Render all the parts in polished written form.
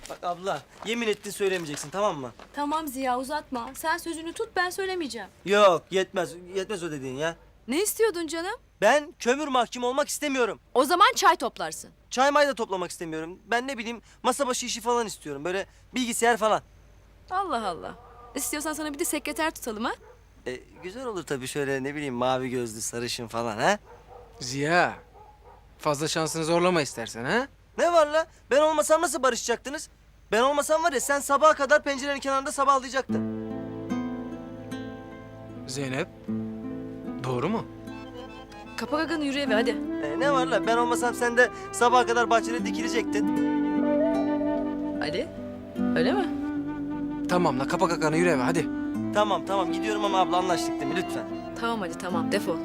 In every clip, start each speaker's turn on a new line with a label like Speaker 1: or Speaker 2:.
Speaker 1: Bak abla, yemin ettin söylemeyeceksin, tamam mı?
Speaker 2: Tamam Ziya, uzatma. Sen sözünü tut, ben söylemeyeceğim.
Speaker 1: Yok, yetmez. Yetmez o dediğin ya.
Speaker 2: Ne istiyordun canım?
Speaker 1: Ben kömür mahkumu olmak istemiyorum.
Speaker 2: O zaman çay toplarsın.
Speaker 1: Çay may da toplamak istemiyorum. Ben ne bileyim, masa başı işi falan istiyorum. Böyle bilgisayar falan.
Speaker 2: Allah Allah. İstiyorsan sana bir de sekreter tutalım ha?
Speaker 1: Güzel olur tabii, şöyle ne bileyim, mavi gözlü, sarışın falan ha?
Speaker 3: Ziya, fazla şansını zorlama istersen ha?
Speaker 1: Ne var la? Ben olmasam nasıl barışacaktınız? Ben olmasam var ya, sen sabaha kadar pencerenin kenarında sabahlayacaktın.
Speaker 3: Zeynep, doğru mu?
Speaker 2: Kapa gaganı, yürü eve hadi.
Speaker 1: Ne var la? Ben olmasam sen de sabaha kadar bahçede dikilecektin.
Speaker 2: Ali, öyle mi?
Speaker 3: Tamam la, kapa kakanı yürü eve hadi.
Speaker 1: Tamam tamam, gidiyorum ama abla, anlaştık değil mi? Lütfen.
Speaker 2: Tamam Ali, tamam. Defol.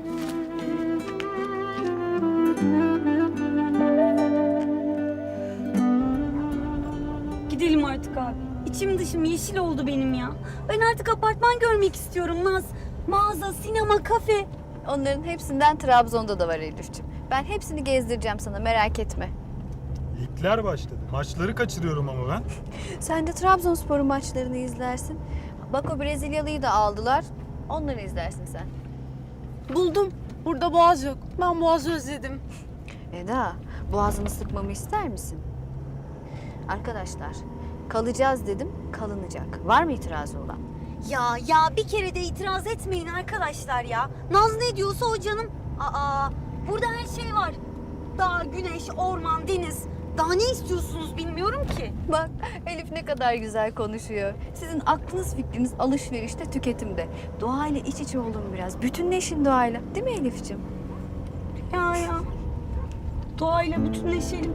Speaker 4: Gidelim artık abi. İçim dışım yeşil oldu benim ya. Ben artık apartman görmek istiyorum Naz. Mağaza, sinema, kafe.
Speaker 5: Onların hepsinden Trabzon'da da var Elif'ciğim. Ben hepsini gezdireceğim sana, merak etme.
Speaker 6: Ligler başladı. Maçları kaçırıyorum ama ben.
Speaker 5: Sen de Trabzonspor'un maçlarını izlersin. Bak o Brezilyalıyı da aldılar. Onları izlersin sen.
Speaker 7: Buldum. Burada boğaz yok. Ben boğazı özledim.
Speaker 5: Eda, boğazını sıkmamı ister misin? Arkadaşlar, kalacağız dedim, kalınacak. Var mı itirazı olan?
Speaker 4: Ya bir kere de itiraz etmeyin arkadaşlar ya. Naz ne diyorsa o canım. Burada her şey var. Dağ, güneş, orman, deniz. Daha ne istiyorsunuz bilmiyorum ki.
Speaker 5: Bak, Elif ne kadar güzel konuşuyor. Sizin aklınız fikriniz alışverişte, tüketimde. Doğayla iç içe olun biraz. Bütünleşin doğayla. Değil mi Elif'ciğim?
Speaker 4: Ya. Doğayla bütünleşelim.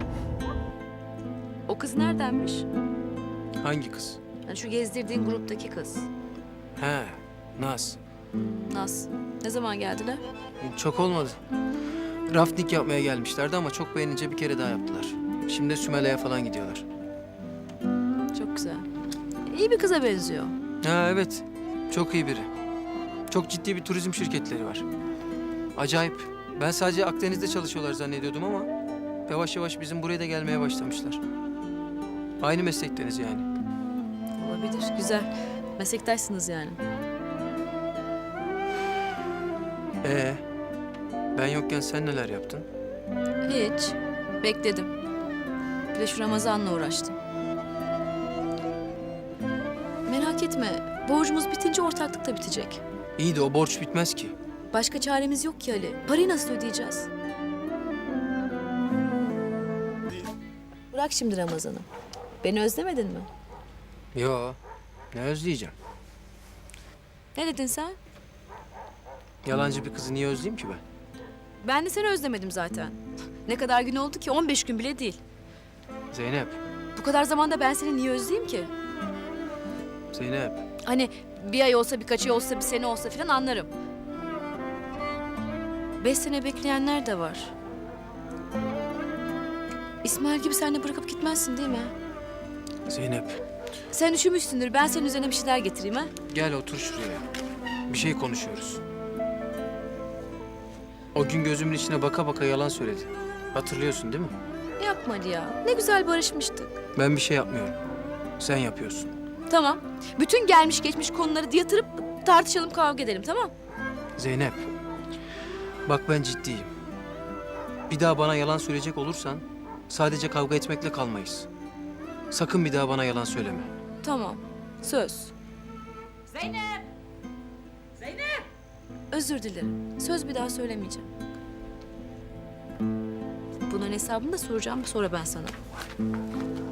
Speaker 2: O kız neredenmiş?
Speaker 3: Hangi kız?
Speaker 2: Yani şu gezdirdiğin gruptaki kız.
Speaker 3: He, Naz.
Speaker 2: Naz. Ne zaman geldiler?
Speaker 3: Çok olmadı. Rafting yapmaya gelmişlerdi ama çok beğenince bir kere daha yaptılar. Şimdi de Sümele'ye falan gidiyorlar.
Speaker 2: Çok güzel. İyi bir kıza benziyor.
Speaker 3: Ha evet, çok iyi biri. Çok ciddi bir turizm şirketleri var. Acayip. Ben sadece Akdeniz'de çalışıyorlar zannediyordum ama yavaş yavaş bizim buraya da gelmeye başlamışlar. Aynı meslekteniz yani.
Speaker 2: Olabilir. Güzel. Meslektaşsınız yani.
Speaker 3: Ben yokken sen neler yaptın?
Speaker 2: Hiç. Bekledim. Bir de şu Ramazan'la uğraştım. Merak etme. Borcumuz bitince ortaklık da bitecek.
Speaker 3: İyi de o borç bitmez ki.
Speaker 2: Başka çaremiz yok ki Ali. Parayı nasıl ödeyeceğiz? Bırak şimdi Ramazan'ı. Beni özlemedin mi?
Speaker 3: Yo, ne özleyeceğim?
Speaker 2: Ne dedin sen?
Speaker 3: Yalancı bir kızı niye özleyeyim ki ben?
Speaker 2: Ben de seni özlemedim zaten. Ne kadar gün oldu ki? 15 gün bile değil.
Speaker 3: Zeynep,
Speaker 2: Bu kadar zamanda ben seni niye özleyeyim ki?
Speaker 3: Zeynep.
Speaker 2: Hani bir ay olsa, birkaç ay olsa, bir sene olsa falan anlarım. 5 sene bekleyenler de var. İsmail gibi sen de bırakıp gitmezsin değil mi?
Speaker 3: Zeynep,
Speaker 2: Sen üşümüşsündür. Ben senin üzerine bir şeyler getireyim ha.
Speaker 3: gel otur şuraya. Bir şey konuşuyoruz. O gün gözümün içine baka baka yalan söyledi. Hatırlıyorsun değil mi?
Speaker 2: Yapma Ali ya. Ne güzel barışmıştık.
Speaker 3: Ben bir şey yapmıyorum. Sen yapıyorsun.
Speaker 2: Tamam. Bütün gelmiş geçmiş konuları yatırıp tartışalım, kavga edelim, tamam?
Speaker 3: Zeynep, bak ben ciddiyim. Bir daha bana yalan söyleyecek olursan sadece kavga etmekle kalmayız. Sakın bir daha bana yalan söyleme.
Speaker 2: Tamam. Söz. Zeynep! Zeynep! Özür dilerim. Söz bir daha söylemeyeceğim. Bunun hesabını da soracağım sonra ben sana.